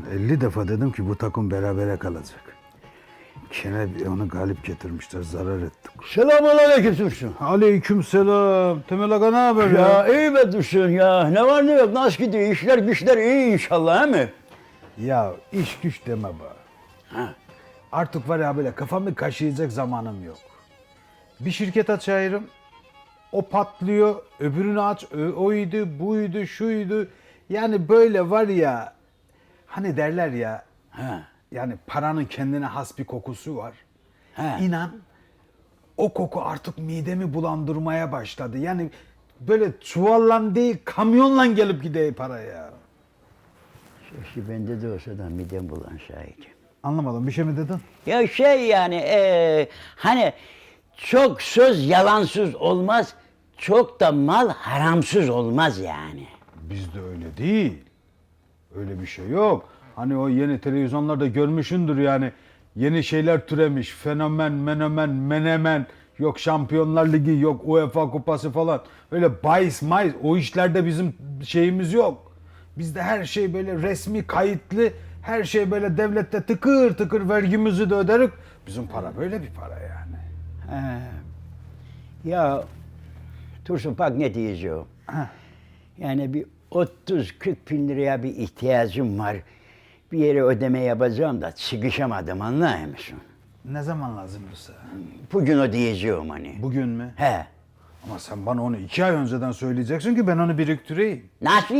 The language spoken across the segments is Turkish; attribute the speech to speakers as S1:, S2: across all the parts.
S1: 50 defa dedim ki bu takım berabere kalacak. Gene onu galip getirmişler, zarar ettik.
S2: Selamünaleyküm Dursun.
S1: Aleykümselam. Temel Aga ne haber ya?
S2: Ya iyi be Dursun ya. Ne var ne yok nasıl gidiyor? İşler güçler iyi inşallah he mi?
S1: Ya iş güç deme be.
S2: Ha.
S1: Artık var ya böyle kafamı kaşıyacak zamanım yok. Bir şirket açayım, o patlıyor, öbürünü aç, oydu, buydu, şuydu. Yani böyle var ya, hani derler ya,
S2: Ha.
S1: yani paranın kendine has bir kokusu var.
S2: Ha.
S1: İnan, o koku artık midemi bulandırmaya başladı. Yani böyle çuvalla değil, kamyonla gelip gidiyor para ya.
S2: Keşke bende de olsa da midem bulan şahit.
S1: Anlamadım, bir şey mi dedin?
S2: Ya şey yani hani çok söz yalansız olmaz, çok da mal haramsız olmaz yani.
S1: Bizde öyle değil. Öyle bir şey yok. Hani o yeni televizyonlarda görmüşündür yani. Yeni şeyler türemiş. Fenomen, menemen, menemen. Yok Şampiyonlar Ligi, yok UEFA Kupası falan. Öyle bahis mayis. O işlerde bizim şeyimiz yok. Bizde her şey böyle resmi, kayıtlı. Her şey böyle devlette tıkır tıkır vergimizi de öderik. Bizim para böyle bir para yani.
S2: Ya Tursun bak ne diyeceğim. Yani bir 30-40 bin liraya bir ihtiyacım var. Bir yere ödeme yapacağım da sıkışamadım anlıyor musun?
S1: Ne zaman lazım bize?
S2: Bugün ödeyeceğim hani.
S1: Bugün mü?
S2: He.
S1: Ama sen bana onu 2 ay önceden söyleyeceksin ki ben onu biriktireyim.
S2: Nasıl?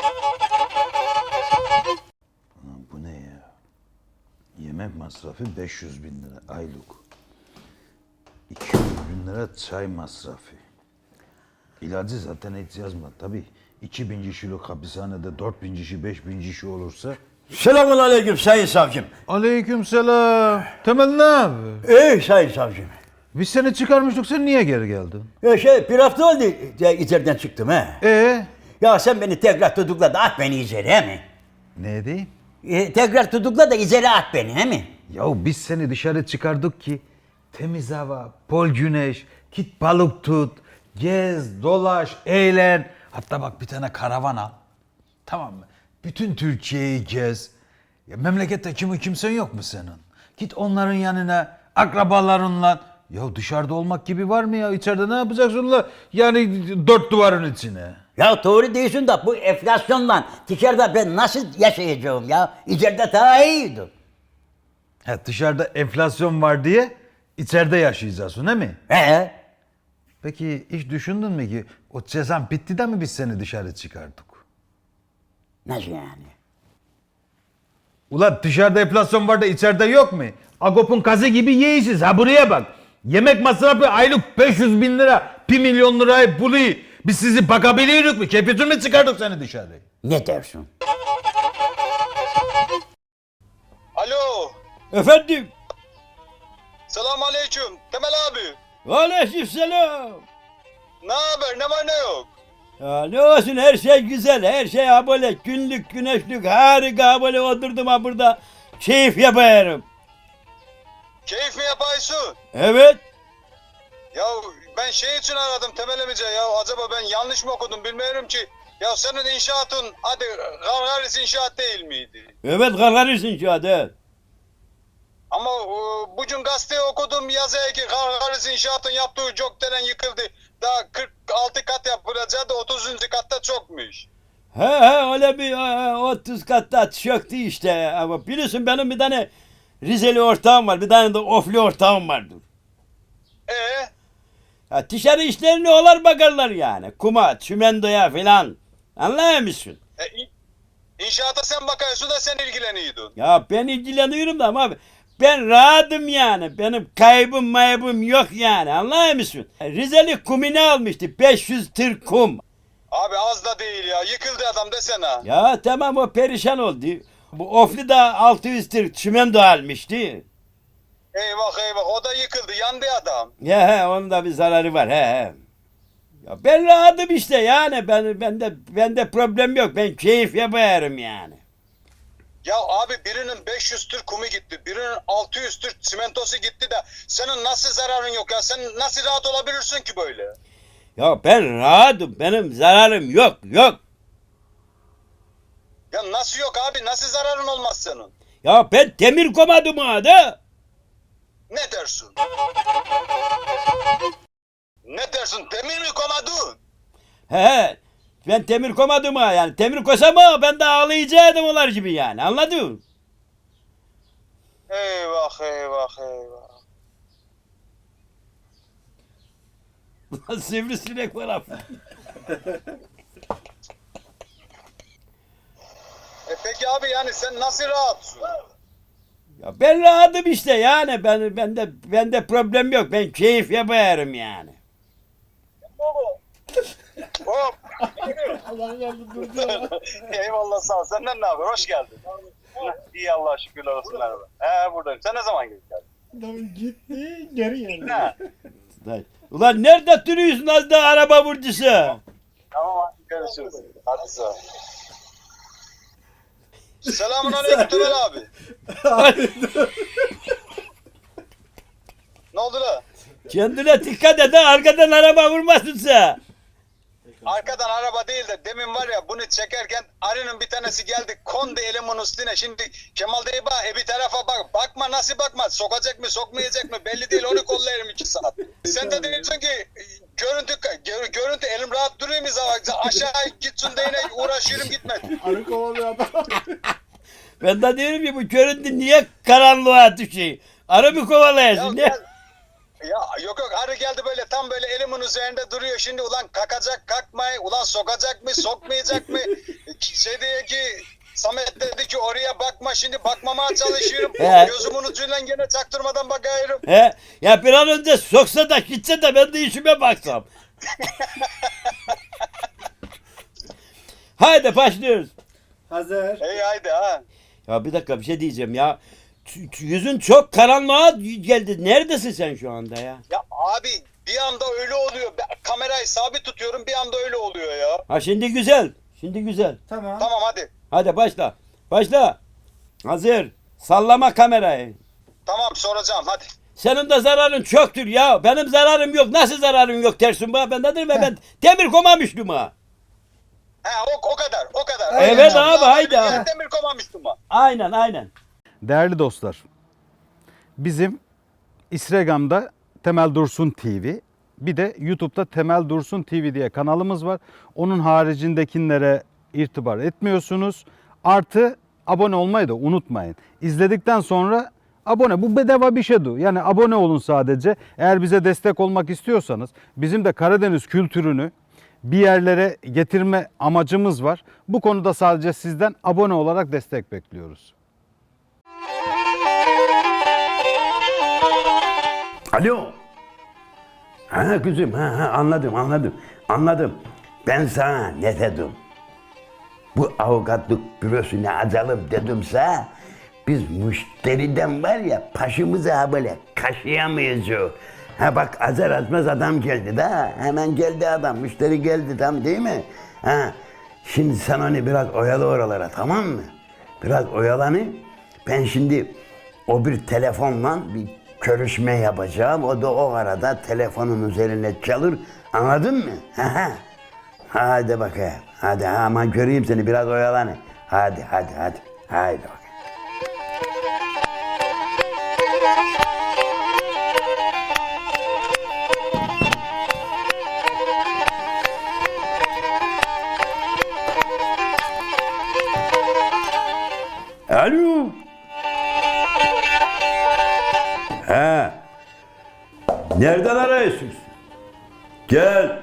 S1: Bu ne ya? Yemek masrafı 500 bin lira aylık. 200 bin lira çay masrafı. İlacı zaten hiç yazma. Tabii 2000 kişilik hapishanede 4000 kişi, 5000 kişi olursa...
S2: Selamünaleyküm sayın savcım.
S1: Aleykümselam. Temel ne abi?
S2: Ey sayın savcım.
S1: Biz seni çıkarmıştık, sen niye geri geldin?
S2: Ya bir hafta oldu ya içeriden çıktım he. Ya sen beni tekrar tutukla da at beni içeri he mi?
S1: Ne diyeyim?
S2: Tekrar tutukla da içeri at beni he mi?
S1: Ya biz seni dışarı çıkardık ki temiz hava, bol güneş, git balık tut, gez, dolaş, eğlen. Hatta bak bir tane karavan al. Tamam mı? Bütün Türkiye'yi gez. Ya memlekette kimsen yok mu senin? Git onların yanına, akrabalarınla. Ya dışarıda olmak gibi var mı ya? İçeride ne yapacaksın la? Yani dört duvarın içine.
S2: Ya doğru diyorsun da bu enflasyonla dışarıda ben nasıl yaşayacağım ya? İçeride daha iyiydi.
S1: Ha, dışarıda enflasyon var diye içeride yaşayacaksın değil mi?
S2: He?
S1: Peki hiç düşündün mü ki o cezan bitti de mi biz seni dışarı çıkardık?
S2: Nasıl yani?
S1: Ulan dışarıda enflasyon var da içeride yok mu? Agop'un kazı gibi yiyeceğiz ha buraya bak. Yemek masrafı aylık 500 bin lira, 1 milyon lirayı buluyor. Biz sizi bakabiliyoruz mu? Kepitül mü çıkardık seni dışarı?
S2: Ne dersin?
S3: Alo.
S4: Efendim?
S3: Selamünaleyküm. Temel abi.
S4: Aleykümselam.
S3: Ne haber? Ne var ne yok?
S4: Ya ne olsun her şey güzel, her şey ha böyle günlük güneşlik harika böyle oturdum ha burada keyif yapıyorum.
S3: Keyif mi yapıyorsun?
S4: Evet.
S3: Ya ben şey için aradım Temel emice ya. Acaba ben yanlış mı okudum bilmiyorum ki. Ya senin inşaatın hadi Gargaris inşaat değil miydi?
S4: Evet kalkarırsın şu anda.
S3: Ama bugün gazeteye okudum yazıyor ki Gargaris inşaatın yaptığı gökdelen yıkıldı. Daha 46 kat yapılacağı da 30. katta çokmuş.
S4: He öyle bir 30 katta çöktü işte ama biliyorsun benim bir tane Rizeli ortağım var, bir tane de Ofli ortağım vardır. Ya dışarı işlerine olar bakarlar yani. Kuma, çimentoya filan. Anlıyor musun?
S3: İnşaata sen bakıyorsun da sen ilgileniyordun.
S4: Ya ben ilgileniyorum da ama ben rahatım yani. Benim kaybım maybım yok yani. Anlıyor musun? Rizeli kumini almıştı. 500 tır kum.
S3: Abi az da değil ya. Yıkıldı adam desene.
S4: Ya tamam o perişan oldu. Bu Ofli de 600 tır çimento almıştı.
S3: Eyvah eyvah o da yıkıldı. Yandı adam.
S4: Ya he onun da bir zararı var he. Ya ben rahatım işte yani. Bende problem yok. Ben keyif yaparım yani.
S3: Ya abi birinin 500 tır kumu gitti. Birinin 600 tır çimentosu gitti de senin nasıl zararın yok ya? Sen nasıl rahat olabilirsin ki böyle?
S4: Ya ben rahatım. Benim zararım yok.
S3: Ya nasıl yok abi? Nasıl zararın olmaz senin?
S4: Ya ben demir komadım ha da.
S3: Ne dersin? Ne dersin? Demir mi komadın?
S4: He. Ben demir komadım ha yani. Demir kosam ha ben de ağlayacaktım onlar gibi yani. Anladın mı?
S3: Eyvah eyvah eyvah.
S4: Ulan sivrisinek var abi.
S3: Peki abi yani sen nasıl rahatsın?
S4: Ya ben rahatım işte yani. Bende problem yok. Ben keyif yaparım yani.
S3: Hop. Eyvallah sağ ol. Senden ne haber? Hoş geldin. İyi Allah'a şükürler olsun merhaba. Buradayım. Sen ne zaman geldin?
S5: Adam gitti geri geldi.
S3: Ha.
S4: Ulan nerede duruyorsun az da araba vurdusu?
S3: Tamam hadi görüşürüz. Hadi sağ ol. Selamun aleyküm Temel abi. Ne oldu la?
S4: Kendine dikkat et ha arkadan araba vurmasın sen.
S3: Arkadan araba değil de demin var ya bunu çekerken arının bir tanesi geldi kondu elimin üstüne. Şimdi Kemal dayı bak bir tarafa bak. Bakma nasıl bakma. Sokacak mı sokmayacak mı belli değil onu kollayırım 2 saat. Sen de diyorsun ki görüntü elim rahat duruyor mu zaten? Aşağı gitsin de yine uğraşıyorum gitmedi.
S5: Arı kovalıyor adam.
S4: Ben de diyorum ki bu görüntü niye karanlığa düşüyor? Arı mı kovalayasın? Ne?
S3: Ya yok arı geldi böyle tam böyle elimin üzerinde duruyor şimdi ulan kakacak kakmay ulan sokacak mı sokmayacak mı şey diyor ki Samet dedi ki oraya bakma şimdi bakmamaya çalışıyorum
S4: He.
S3: gözümün ucuyla gene çaktırmadan bakıyorum.
S4: He? Ya bir an önce soksa da gitse de ben de işime baksam. Haydi başlıyoruz.
S5: Hazır.
S3: Hey haydi ha.
S4: Ya bir dakika bir şey diyeceğim ya. Yüzün çok karanlığa geldi. Neredesin sen şu anda ya?
S3: Ya abi bir anda öyle oluyor. Ben kamerayı sabit tutuyorum bir anda öyle oluyor ya.
S4: Ha şimdi güzel. Şimdi güzel.
S5: Tamam.
S3: Tamam hadi.
S4: Hadi başla. Başla. Hazır. Sallama kamerayı.
S3: Tamam soracağım hadi.
S4: Senin de zararın çoktur ya. Benim zararım yok. Nasıl zararın yok dersin bana? Ben dedim ve ben demir komamıştım ha.
S3: He o kadar o kadar.
S4: Evet abi, haydi abi.
S3: Yani demir komamıştım ha.
S4: Aynen aynen.
S1: Değerli dostlar, bizim Instagram'da Temel Dursun TV, bir de YouTube'da Temel Dursun TV diye kanalımız var. Onun haricindekilere irtibar etmiyorsunuz. Artı abone olmayı da unutmayın. İzledikten sonra abone, bu bedava bir şeydi. Yani abone olun sadece. Eğer bize destek olmak istiyorsanız, bizim de Karadeniz kültürünü bir yerlere getirme amacımız var. Bu konuda sadece sizden abone olarak destek bekliyoruz.
S2: Alo. Ha kızım, anladım. Ben sana ne dedim? Bu avukatlık bürosuna açalım dedimse biz müşteriden var ya paşımıza böyle kaşıyamayız. Ha bak azar azmaz adam geldi de hemen geldi adam müşteri geldi tam değil mi? Ha şimdi sen onu biraz oyalı oralara tamam mı? Biraz oyalanı. Ben şimdi o bir telefonla bir görüşme yapacağım. O da o arada telefonun üzerine çalır. Anladın mı? Hadi bakayım. Hadi ama göreyim seni biraz oyalanı. Hadi. Haydi bakayım. Alo. He. Nereden arıyorsunuz? Gel.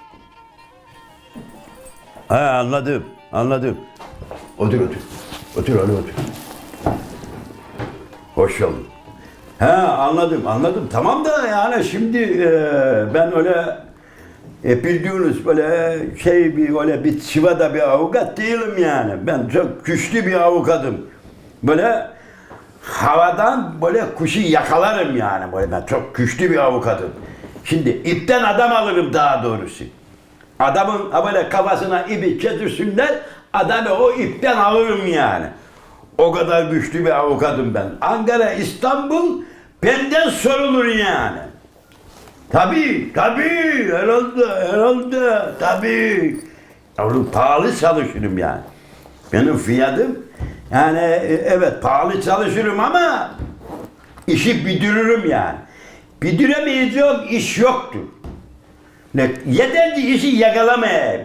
S2: Ha anladım. Otur. Otur. Hoş geldin. Ha anladım. Tamam da yani şimdi ben öyle bildiğiniz böyle bir çivada bir avukat değilim yani. Ben çok güçlü bir avukatım. Böyle havadan böyle kuşu yakalarım yani. Böyle ben çok güçlü bir avukatım. Şimdi ipten adam alırım daha doğrusu. Adamın böyle kafasına ipi getirsinler, adamı o ipten alırım yani. O kadar güçlü bir avukatım ben. Ankara, İstanbul benden sorulur yani. Tabii, herhalde, tabii. Yavrum pahalı çalışırım yani. Benim fiyatım yani evet pahalı çalışırım ama işi bidiririm yani. Bidiremeyeceğim iş yoktur. Yeter ki işi yakalamayayım.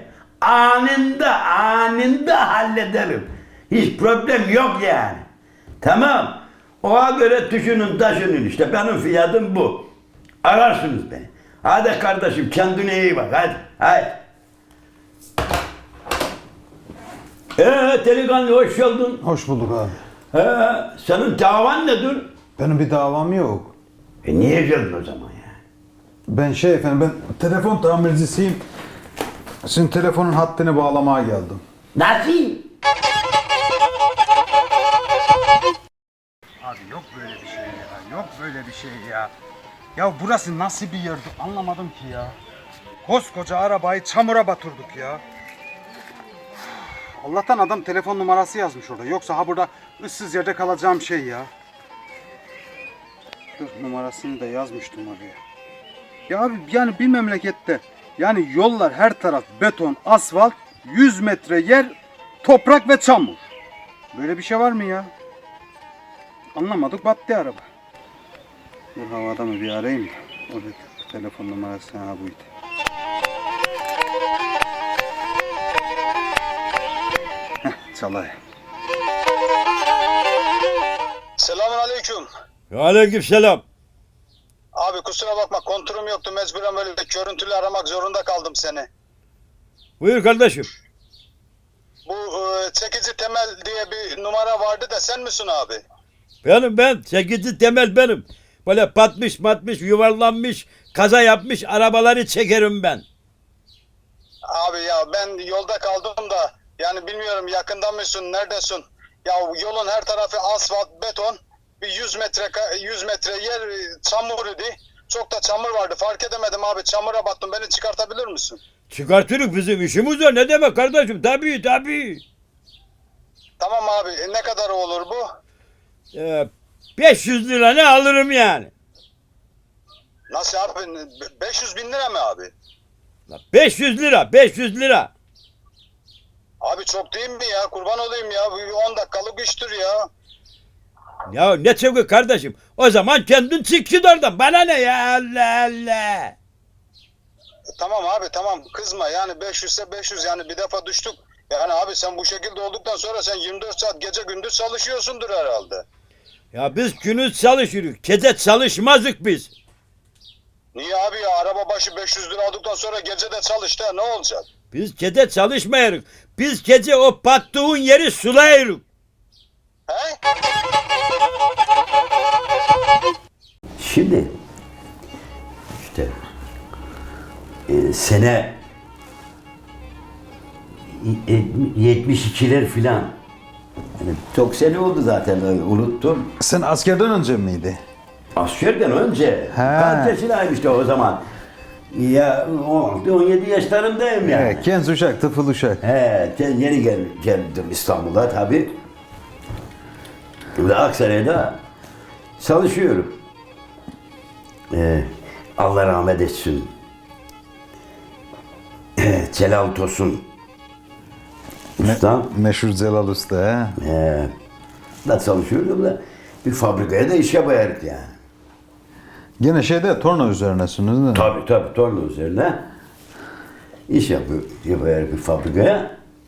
S2: Anında hallederim. Hiç problem yok yani. Tamam. Ona göre düşünün taşının işte. Benim fiyatım bu. Ararsınız beni. Hadi kardeşim kendine iyi bak hadi. Hadi. Delikanlı hoş geldin.
S1: Hoş bulduk abi.
S2: Senin davan nedir?
S1: Benim bir davam yok.
S2: Niye geldin o zaman ya?
S1: Ben efendim ben telefon tamircisiyim. Sizin telefonun hattını bağlamaya geldim.
S2: Nasıl?
S1: Abi yok böyle bir şey ya. Yok böyle bir şey ya. Ya burası nasıl bir yerdi anlamadım ki ya. Koskoca arabayı çamura batırdık ya. Allah'tan adam telefon numarası yazmış orada. Yoksa ha burada ıssız yerde kalacağım şey ya. Dur numarasını da yazmıştım oraya. Ya abi yani bir memlekette yani yollar her taraf beton, asfalt, 100 metre yer toprak ve çamur. Böyle bir şey var mı ya? Anlamadık battı araba. Dur havada mı bir arayayım da. Orada telefon numarası ha buydu. Heh çalay.
S3: Selamun aleyküm.
S4: Aleykümselam.
S3: Abi kusura bakma kontürüm yoktu mecburen böyle görüntülü aramak zorunda kaldım seni.
S4: Buyur kardeşim.
S3: Bu çekici temel diye bir numara vardı da sen misin abi?
S4: Ben. Çekici temel benim. Böyle patmış yuvarlanmış, kaza yapmış arabaları çekerim ben.
S3: Abi ya ben yolda kaldım da yani bilmiyorum yakında mısın neredesin? Ya yolun her tarafı asfalt beton bir 100 metre yer çamur idi. Çok da çamur vardı fark edemedim abi çamura battım beni çıkartabilir misin?
S4: Çıkartırız bizim işimiz var. Ne demek kardeşim? Tabii.
S3: Tamam abi ne kadar olur bu?
S4: 500 lira ne alırım yani.
S3: Nasıl abi 500 bin lira mı abi?
S4: 500 lira.
S3: Abi çok değil mi ya kurban olayım ya 10 dakikalık iştir ya.
S4: Ya ne çabuk kardeşim. O zaman kendin çık git oradan. Bana ne ya Allah.
S3: Tamam abi tamam kızma yani 500 ise 500 yani bir defa düştük. Yani abi sen bu şekilde olduktan sonra sen 24 saat gece gündüz çalışıyorsundur herhalde.
S4: Ya biz gündüz çalışıyoruz. Gece çalışmazdık biz.
S3: Niye abi ya araba başı 500 lira aldıktan sonra gece de çalıştı ne olacak?
S4: Biz gece çalışmayırız. Biz gece o battığın yeri sulayırız.
S3: He?
S2: Şimdi işte sene 72'ler filan. Yani çok sene oldu zaten unuttum.
S1: Sen askerden önce miydi?
S2: Askerden önce. Kaç yaşındaymıştı o zaman? Ya 17 yaşlarındayım yani.
S1: Evet, genç uşak, tıfıl uşak.
S2: Yeni geldim İstanbul'a tabii. Ve Aksaray'da çalışıyorum. Allah rahmet etsin. Celal Tosun Usta.
S1: Meşhur Celal Usta he.
S2: Da çalışıyordum da bir fabrikaya da iş yapardık yani.
S1: Gene torna üzerinesiniz değil mi?
S2: Tabii torna üzerine iş yapardık bir fabrikaya.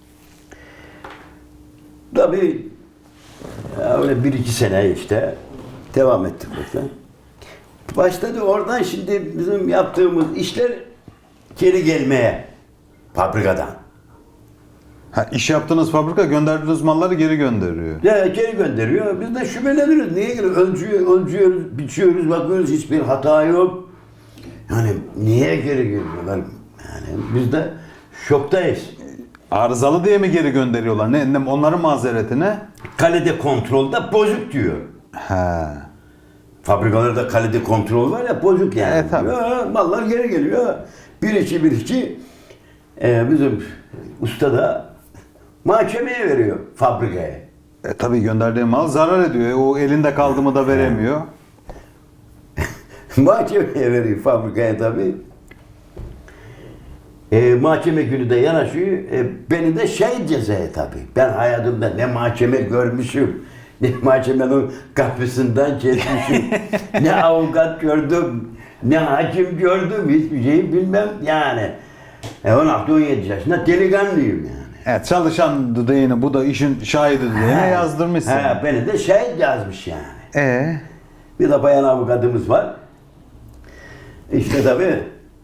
S2: Tabii öyle 1-2 sene işte devam ettik burada. Başladı oradan şimdi bizim yaptığımız işler geri gelmeye fabrikadan.
S1: Ha, iş yaptığınız fabrika gönderdiğiniz malları geri gönderiyor.
S2: Ya geri gönderiyor. Biz de şüpheleniyoruz. Niye geliyor? Ölçüyoruz, biçiyoruz, bakıyoruz hiçbir hata yok. Yani niye geri geliyorlar? Yani biz de şoktayız.
S1: Arızalı diye mi geri gönderiyorlar? Ne onların mazereti ne?
S2: Kalite kontrolde bozuk diyor.
S1: He.
S2: Fabrikalarda kalite kontrol var ya bozuk yani.
S1: Tabii.
S2: Ya, mallar geri geliyor. Bir iki bizim usta da mahkemeye veriyor fabrikaya.
S1: Tabii gönderdiği mal zarar ediyor. O elinde kaldı mı da veremiyor.
S2: Mahkemeye veriyor fabrikaya tabii. Mahkeme günü de yanaşıyor. Beni de şehit cezaya tabii. Ben hayatımda ne mahkeme görmüşüm, ne mahkemenin kapısından geçmişim, ne avukat gördüm, ne hakim gördüm, hiçbir şey bilmem yani. 16-17 yaşında delikanlıyım yani.
S1: Evet, çalışan düdüğünü, bu da işin şahidi düdüğüne yazdırmışsın.
S2: Beni de şehit yazmış yani.
S1: Ee?
S2: Bir de bayan avukatımız var. İşte tabii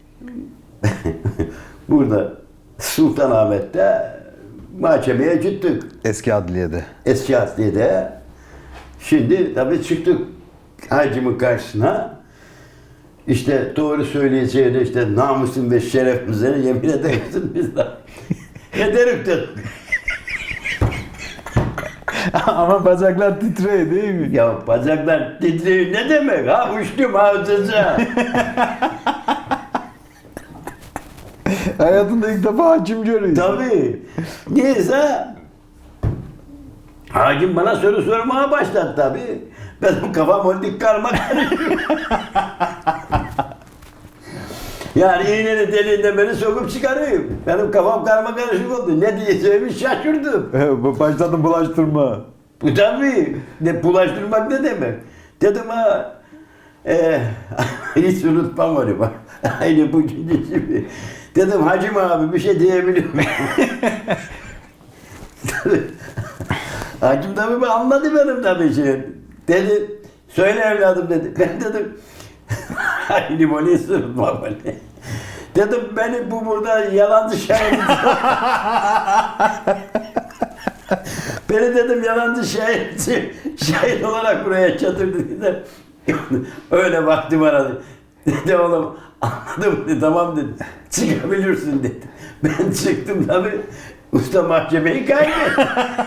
S2: burada Sultanahmet'te mahkemeye gittik.
S1: Eski adliyede.
S2: Eski adliyede. Şimdi tabii çıktık hakimin karşısına. İşte doğru söyleyeceğine işte namusun ve şerefimize yemin edersin biz de. Ederim dedik.
S1: Ama bacaklar titriyor değil mi?
S2: Ya bacaklar titriyor ne demek ha uçtum havzıca.
S1: Hayatında ilk defa hakim görüyorsun.
S2: Tabii. Neyse hakim bana soru sormaya başladı tabii. Benim kafam ondik karma karışıyor. Yani iğnenin deliğinden beni sokup çıkarayım. Benim kafam karma karışık oldu. Ne diyeceğimi şaşırdım.
S1: Başladın bulaştırma.
S2: Bu tabii. Ne bulaştırmak ne demek? Dedim ha hiç unutmam onu bak. Aynı bugünkü gibi. Dedim hacım abi bir şey diyebilir miyim? Hacım tabii anladı benim tabii şey. Dedi söyle evladım dedi. Ben dedim aynı böyle unutmam böyle. Dedim beni bu burada yalancı şahit. Beni dedim yalancı şahit olarak buraya çatırdı dedi. Öyle baktı bana dedi oğlum anladım dedi tamam dedi çıkabilirsin dedi. Ben çıktım tabii usta mahkemeyi kaybetti.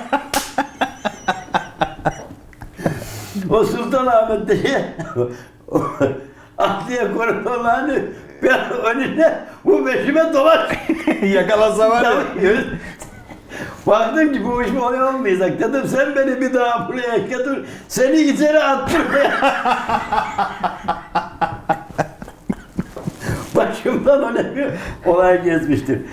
S2: O Sultanahmet'te Adliye koridorlarını ben önüne bu peşime dolaş.
S1: Yakalasa var ya.
S2: Tabii. Baktım ki bu iş oluyor olmayacak. Dedim sen beni bir daha buraya götür. Seni içeri attır. Başımdan öyle bir olay geçmiştir.